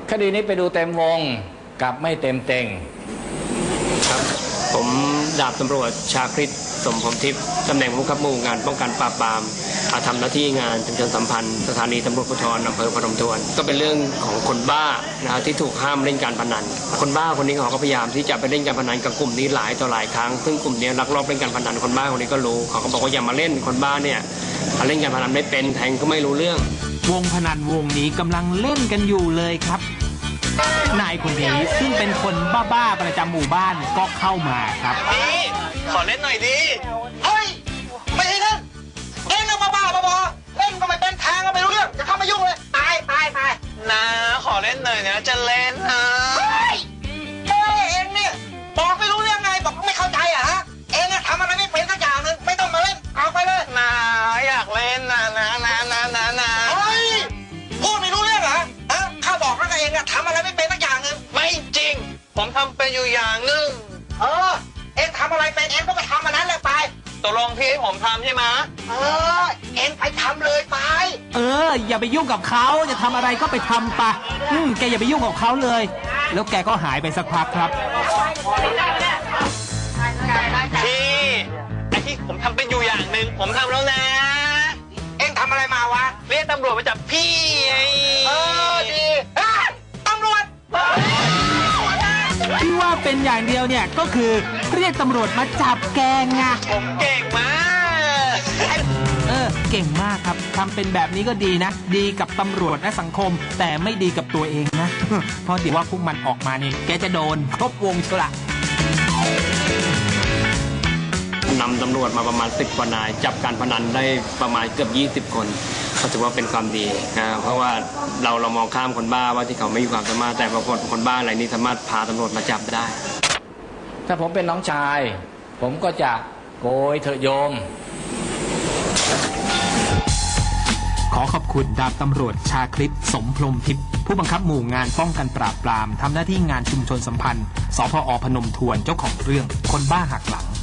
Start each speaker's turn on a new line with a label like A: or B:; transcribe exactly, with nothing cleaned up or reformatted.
A: คดีนี้ไปดูเต็มวงกับไม่เต็มเต็ง
B: ครับผมดาบตำรวจชาคริตสมพรหมทิพย์ตำแหน่งผู้บังคับหมู่งานป้องกันปราบปรามทำหน้าที่งานชุมชนสัมพันธ์สถานีตำรวจภูธรอำเภอพนมทวนก็เป็นเรื่องของคนบ้านะที่ถูกห้ามเล่นการพนันคนบ้าคนนี้เขาก็พยายามที่จะไปเล่นการพนันกับกลุ่มนี้หลายต่อหลายครั้งซึ่งกลุ่มนี้ลักลอบเล่นการพนันคนบ้าคนนี้ก็รู้เขาก็บอกว่าอย่ามาเล่นคนบ้าเนี่ยเล่นการพนันไม่เป็นแทงก็ไม่รู้เรื่อง
C: วงพนันวงนี้กำลังเล่นกันอยู่เลยครับนายคนนี้ซึ่งเป็นคนบ้าๆประจำหมู่บ้านก็เข้ามาครับ
D: นี่ขอเล่นหน่อยดิเฮ้ยไม่ให้เล่นเล่นแล้วบ้าๆบอๆเล่นก็ไม่เป็นแทงก็ไม่รู้เรื่องจะเข้ามายุ่งเลยตายตายตายนะขอเล่นหน่อยนะจะเล่นนะเฮ้ยเฮ้ยเองเนี่ยบอกไม่รู้เรื่องไงบอกไม่เข้าใจอ่ะฮะเองทำอะไรไม่เป็นสักอย่างนึงไม่ต้องมาเล่นเอาไปเลยนะอยากเล่นนะนะนะนะนะนะเฮ้ยพูดไม่รู้เรื่องเหรอฮะข้าบอกแล้วไงเองอะทำอะไรไม่เป็นสักอย่างนึงไม่จริงผมทำเป็นอยู่อย่างนึงเออเองทำอะไรเป็นเองก็ไปทำอันนั้นเลยไปตกลงพี่ให้ผมทำใช่ไหมเออเองไปทำเลยไป
C: เอออย่าไปยุ่งกับเขาจะทำอะไรก็ไปทำไปอืมแกอย่าไปยุ่งกับเขาเลยแล้วแกก็หายไปสักพักครับ
D: พี่ไอ้ที่ผมทำเป็นอยู่อย่างหนึ่งผมทำแล้วนะเองทำอะไรมาวะเรียกตำรวจมาจับพี่ไงเออดีตำรวจ
C: ที่ว่าเป็นอย่างเดียวเนี่ยก็คือเรียกตำรวจมาจับแกไง
D: ผมเก่งมาก
C: เออเก่งมากครับทำเป็นแบบนี้ก็ดีนะดีกับตำรวจและสังคมแต่ไม่ดีกับตัวเองนะเพราะเดี๋ยวว่าพวกมันออกมานี่แกจะโดนครบวงเชียวละ
B: นำตำรวจมาประมาณสิบกว่านายจับการพนันได้ประมาณเกือบยี่สิบคนก็ถือว่าเป็นความดีนะเพราะว่าเราเรามองข้ามคนบ้าว่าที่เขาไม่มีความสามารถแต่บางคนคนบ้าอะไรนี้สามารถพาตำรวจมาจับได้
A: ถ้าผมเป็นน้องชายผมก็จะโกยเถอะโยม
C: ขอขอบคุณดาบตำรวจชาคริตสมพรหมทิพย์ผู้บังคับหมู่งานป้องกันปราบปรามทำหน้าที่งานชุมชนสัมพันธ์สพอพนมทวนเจ้าของเรื่องคนบ้าหักหลัง